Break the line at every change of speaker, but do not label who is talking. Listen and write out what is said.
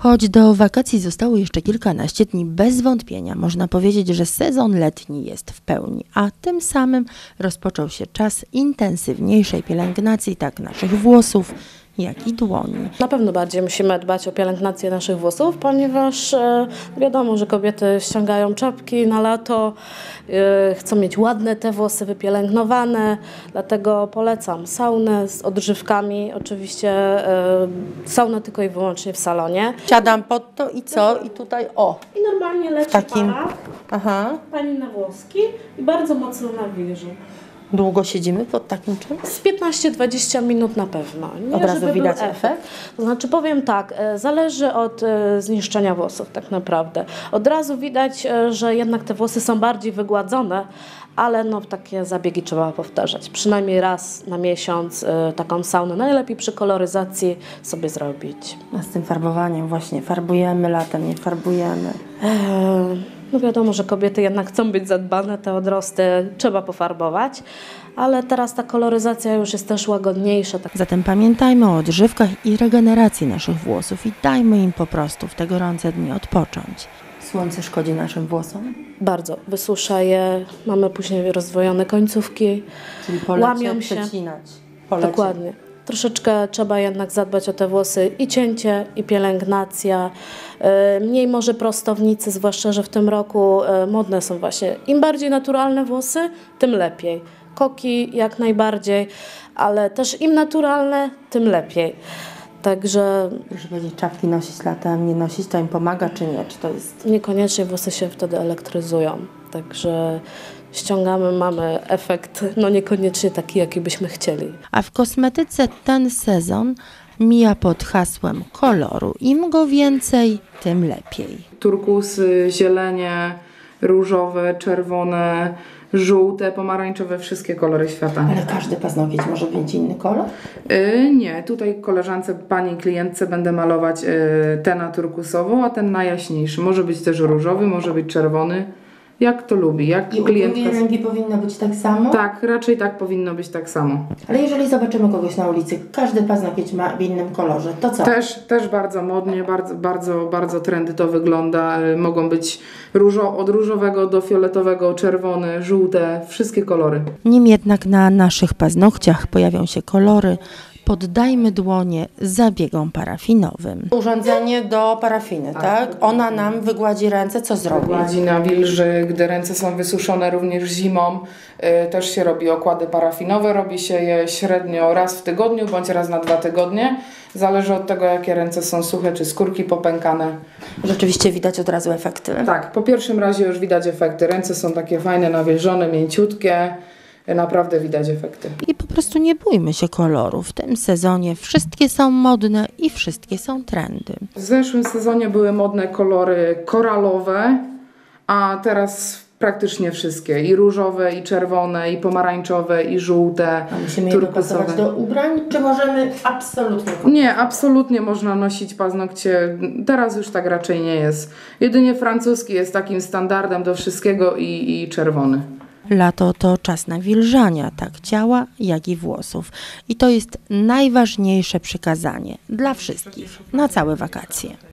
Choć do wakacji zostało jeszcze kilkanaście dni, bez wątpienia można powiedzieć, że sezon letni jest w pełni, a tym samym rozpoczął się czas intensywniejszej pielęgnacji tak naszych włosów, jak i dłoni.
Na pewno bardziej musimy dbać o pielęgnację naszych włosów, ponieważ wiadomo, że kobiety ściągają czapki na lato, chcą mieć ładne te włosy wypielęgnowane, dlatego polecam saunę z odżywkami, oczywiście saunę tylko i wyłącznie w salonie.
Siadam pod to i co? I tutaj
I normalnie leci
takim...
para, pani na włoski i bardzo mocno nawilży.
Długo siedzimy pod takim czymś?
Z 15-20 minut na pewno. Nie,
Od razu
żeby
widać
był
efekt?
To znaczy powiem tak, zależy od zniszczenia włosów tak naprawdę. Od razu widać, że jednak te włosy są bardziej wygładzone, ale no takie zabiegi trzeba powtarzać. Przynajmniej raz na miesiąc taką saunę, najlepiej przy koloryzacji sobie zrobić.
A z tym farbowaniem właśnie, farbujemy latem, nie farbujemy.
No wiadomo, że kobiety jednak chcą być zadbane, te odrosty trzeba pofarbować, ale teraz ta koloryzacja już jest też łagodniejsza.
Zatem pamiętajmy o odżywkach i regeneracji naszych włosów i dajmy im po prostu w te gorące dni odpocząć. Słońce szkodzi naszym włosom?
Bardzo. Wysusza je, mamy później rozwojone końcówki,
Czyli polecie,
łamią się.
przecinać. Polecie.
Dokładnie. Troszeczkę trzeba jednak zadbać o te włosy i cięcie, i pielęgnacja. Mniej może prostownicy, zwłaszcza, że w tym roku modne są właśnie im bardziej naturalne włosy, tym lepiej. Koki jak najbardziej, ale też im naturalne, tym lepiej. Także
Proszę powiedzieć, czapki nosić latem, nie nosić, to im pomaga czy nie? Czy to jest...
niekoniecznie włosy się wtedy elektryzują. Także ściągamy, mamy efekt no niekoniecznie taki, jaki byśmy chcieli.
A w kosmetyce ten sezon mija pod hasłem koloru. Im go więcej, tym lepiej.
Turkusy, zielenie, różowe, czerwone, żółte, pomarańczowe, wszystkie kolory świata.
Ale każdy paznokieć może mieć inny kolor?
Nie, tutaj koleżance, pani klientce będę malować ten na turkusową, a ten na jaśniejszy. Może być też różowy, może być czerwony. Jak to lubi, jak
I
klientka...
ręki powinno być tak samo?
Tak, raczej tak powinno być tak samo.
Ale jeżeli zobaczymy kogoś na ulicy, każdy paznokieć ma w innym kolorze, to co?
Też bardzo modnie, bardzo trendy to wygląda. Mogą być od różowego do fioletowego, czerwone, żółte, wszystkie kolory.
Nim jednak na naszych paznokciach pojawią się kolory, poddajmy dłonie zabiegom parafinowym. Urządzenie do parafiny, tak? Ona nam wygładzi ręce, co zrobi?
Gładzi nawilży, gdy ręce są wysuszone również zimą, też się robi okłady parafinowe, robi się je średnio raz w tygodniu bądź raz na 2 tygodnie. Zależy od tego, jakie ręce są suche, czy skórki popękane.
Rzeczywiście widać od razu efekty.
Tak, po pierwszym razie już widać efekty. Ręce są takie fajne, nawilżone, mięciutkie. Naprawdę widać efekty.
I po prostu nie bójmy się kolorów. W tym sezonie wszystkie są modne i wszystkie są trendy.
W zeszłym sezonie były modne kolory koralowe, a teraz praktycznie wszystkie. I różowe, i czerwone, i pomarańczowe, i żółte,
A musimy je dopasować do ubrań, czy możemy absolutnie?
Nie, absolutnie można nosić paznokcie. Teraz już tak raczej nie jest. Jedynie francuski jest takim standardem do wszystkiego i czerwony.
Lato to czas nawilżania, tak ciała, jak i włosów. I to jest najważniejsze przykazanie dla wszystkich na całe wakacje.